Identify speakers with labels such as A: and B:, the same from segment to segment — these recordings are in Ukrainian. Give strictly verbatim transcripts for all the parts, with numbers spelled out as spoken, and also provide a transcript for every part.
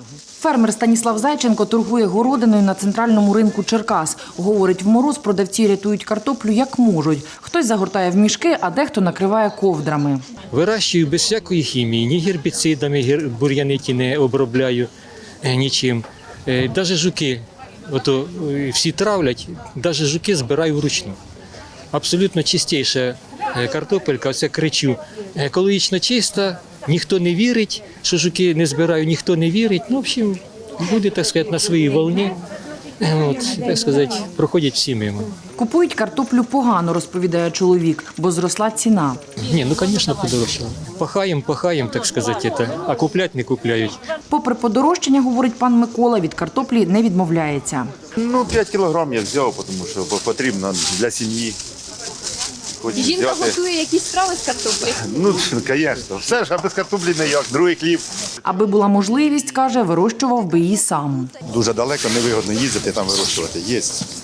A: Фермер Станіслав Зайченко торгує городиною на центральному ринку Черкас. Говорить, в мороз продавці рятують картоплю як можуть. Хтось загортає в мішки, а дехто накриває ковдрами.
B: Вирощую без всякої хімії, ні гербіцидами, бур'яни ті не обробляю нічим. Навіть жуки, ото всі травлять, навіть жуки збираю вручну. Абсолютно чистіша картопелька, оце кричу, екологічно чиста, ніхто не вірить, що жуки не збираю, ніхто не вірить. Ну, в общем, люди, так сказати, на своїй волні, от, так сказати, проходять всі мимо.
A: Купують картоплю погано, розповідає чоловік, бо зросла ціна.
B: Ні, ну, звісно, подорожчало. Пахаємо, пахаємо, так сказати, це, а куплять не купляють.
A: Попри подорожчання, говорить пан Микола, від картоплі не відмовляється.
C: Ну, п'ять кілограм я взяв, тому що потрібно для сім'ї.
D: Жінка готує якісь страви з картоплі?
C: Ну, звісно. Все ж, а без картоплі не як. Другий хліб.
A: Аби була можливість, каже, вирощував би її сам.
C: Дуже далеко, невигодно їздити там вирощувати. Є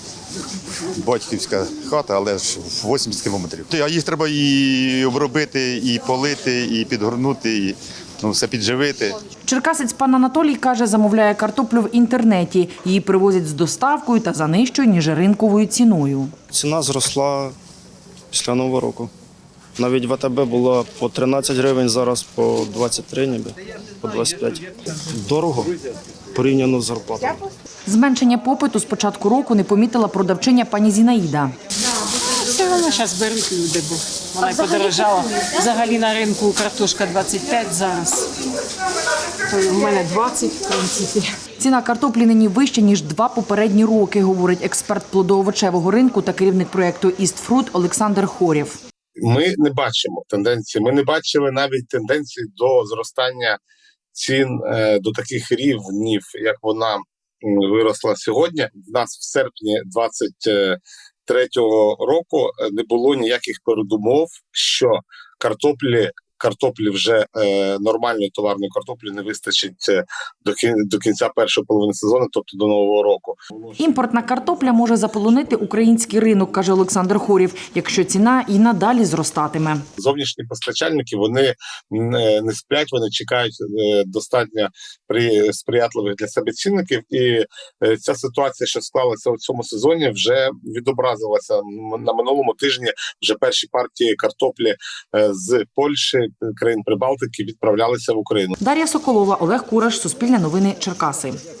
C: батьківська хата, але ж вісімдесят кілометрів. А їх треба і обробити, і полити, і підгорнути, і ну, все підживити.
A: Черкасець пан Анатолій, каже, замовляє картоплю в інтернеті. Її привозять з доставкою та за нижчою, ніж ринковою ціною.
E: Ціна зросла після Нового року. Навіть в АТБ було по тринадцять гривень, зараз по двадцять три ніби, по двадцять п'ять. Дорого порівняно з зарплатою.
A: Зменшення попиту з початку року не помітила продавчиня пані Зінаїда.
F: Все одно зараз беруть люди, бо вона й подорожала. Взагалі на ринку картошка двадцять п'ять зараз, то в мене двадцять, в принципі.
A: Ціна картоплі нині вища, ніж два попередні роки, говорить експерт плодоовочевого ринку та керівник проєкту «Істфрут» Олександр Хорєв.
G: Ми не бачимо тенденції, ми не бачили навіть тенденції до зростання цін до таких рівнів, як вона виросла сьогодні. В нас в серпні двадцять третього року не було ніяких передумов, що картоплі Картоплі вже е, нормальної товарної картоплі не вистачить до, кін, до кінця першої половини сезону, тобто до Нового року.
A: Імпортна картопля може заполонити український ринок, каже Олександр Хорєв, якщо ціна і надалі зростатиме.
G: Зовнішні постачальники, вони не, не сплять, вони чекають е, достатньо при, сприятливих для себе цінників. І е, ця ситуація, що склалася у цьому сезоні, вже відобразилася на минулому тижні. Вже перші партії картоплі е, з Польщі, країн Прибалтики відправлялися в Україну.
A: Дар'я Соколова, Олег Кураш, Суспільне новини, Черкаси.